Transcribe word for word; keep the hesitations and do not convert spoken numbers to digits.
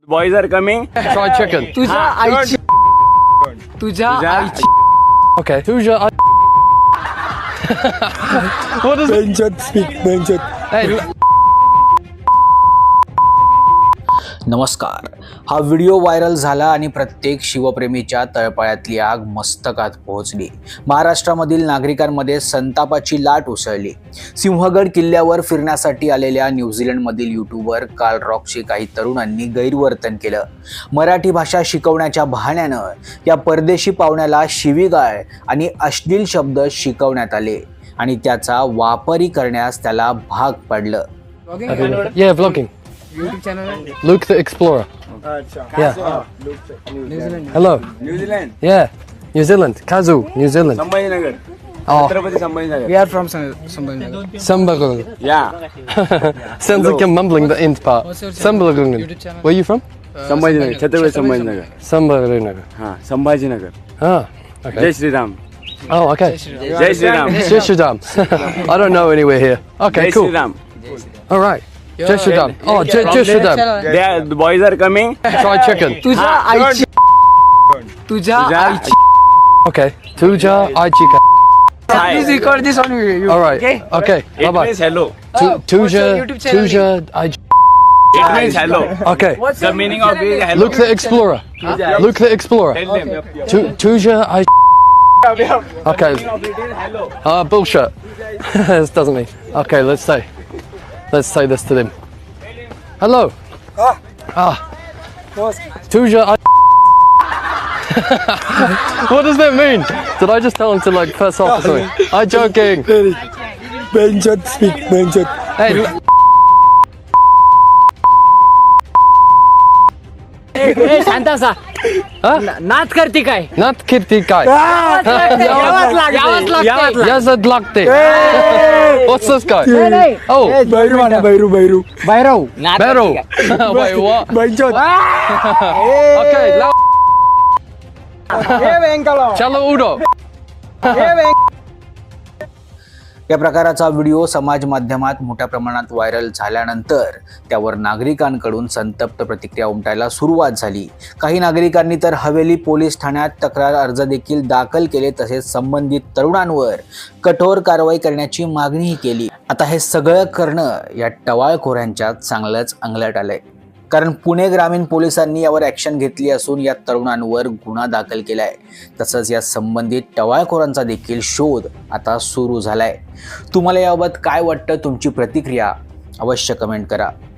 Boys are coming. Fried chicken. तुझ्या आईची तुझ्या आईची Okay. Who's your? What is it? Benchot speak, Benchot. Hey. नमस्कार. हा व्हिडिओ व्हायरल झाला आणि प्रत्येक शिवप्रेमीच्या तळपायातली आग मस्तकात पोहोचली. महाराष्ट्रामधील नागरिकांमध्ये संतापाची लाट उसळली. सिंहगड किल्ल्यावर फिरण्यासाठी आलेल्या न्यूझीलंडमधील यूट्यूबर कार्ल रॉकशी काही तरुणांनी गैरवर्तन केलं. मराठी भाषा शिकवण्याच्या बहाण्यानं या परदेशी पाहुण्याला शिवीगाळ आणि अश्लील शब्द शिकवण्यात आले आणि त्याचा वापरही करण्यास त्याला भाग पडलं. Yeah, vlogging. YouTube channel आहे. Luke the Explorer. Yeah. Hello. New Zealand. Yeah. New Zealand. Kazoo, New Zealand. Sambhajinagar. Oh, Chhatrapati Sambhajinagar. We are from Sambhaji. Sambalagungan. Yeah. Sounds like you're mumbling the end part. What's your channel? Sambalagungan. YouTube channel. Where are you from? Sambhajinagar. Chhatrapati Sambhajinagar. Sambalagungan. हाँ Sambhajinagar. Ah. Okay. जय Shri Ram. Oh, okay. जय Shri Ram. Jai Shri Ram. I don't know anywhere here. Okay, जय cool. Shri Ram. All right. Jai Shri Ram. Oh, Jai Jai Shri Ram. They are, the boys are coming. Fried chicken. तुझ्या आईची तुझ्या आईची Okay. Tuja Aichika. Please record this on video. All right. Okay. Okay. Bye It bye. means hello. Tu- what's Tuja your YouTube channel Tuja Aich. It means hello. Okay. What's The your meaning YouTube of it is channel? hello. Luke the Explorer. Luke the Explorer. Tell them. Tu- Tuja Aich. Okay. Hello. Ah, bullshit. This doesn't mean. Okay, let's say. Let's say this to them. Hello. Ah. Ah. Tuja Aich. What does that mean? Did I just tell him to like piss off or something? I'm joking. Benchot speak, Benchot. Hey. ए शांत असा नाच करते काय Not Kitty Kai. यावंच लागते. Yazad Lakte. What's this guy? नाही. Oh, Bairu mana, Bairu, Bairu. बाहेरव Beryl. Wait, what? Benchot. Okay, now. Chalo Udo. या प्रकाराचा video समाज माध्यमात मोठ्या प्रमाणात व्हायरल झाल्यानंतर त्यावर नागरिकांकडून संतप्त प्रतिक्रिया उमटायला सुरुवात झाली. काही नागरिकांनी तर हवेली पोलीस ठाण्यात तक्रार अर्ज देखील दाखल केले, तसेच संबंधित तरुणांवर कठोर कारवाई करण्याची मागणीही केली. आता हे सगळं करणं या टवाळखोरांच्या चांगलंच अंगलट आलंय, कारण पुणे ग्रामीण पोलिसांनी यावर ॲक्शन घेतली असून या तरुणांवर गुन्हा दाखल केलाय. तसंच या संबंधित टवाळखोरांचा देखील शोध आता सुरू झालाय. तुम्हाला याबाबत काय वाटतं? तुमची प्रतिक्रिया अवश्य कमेंट करा.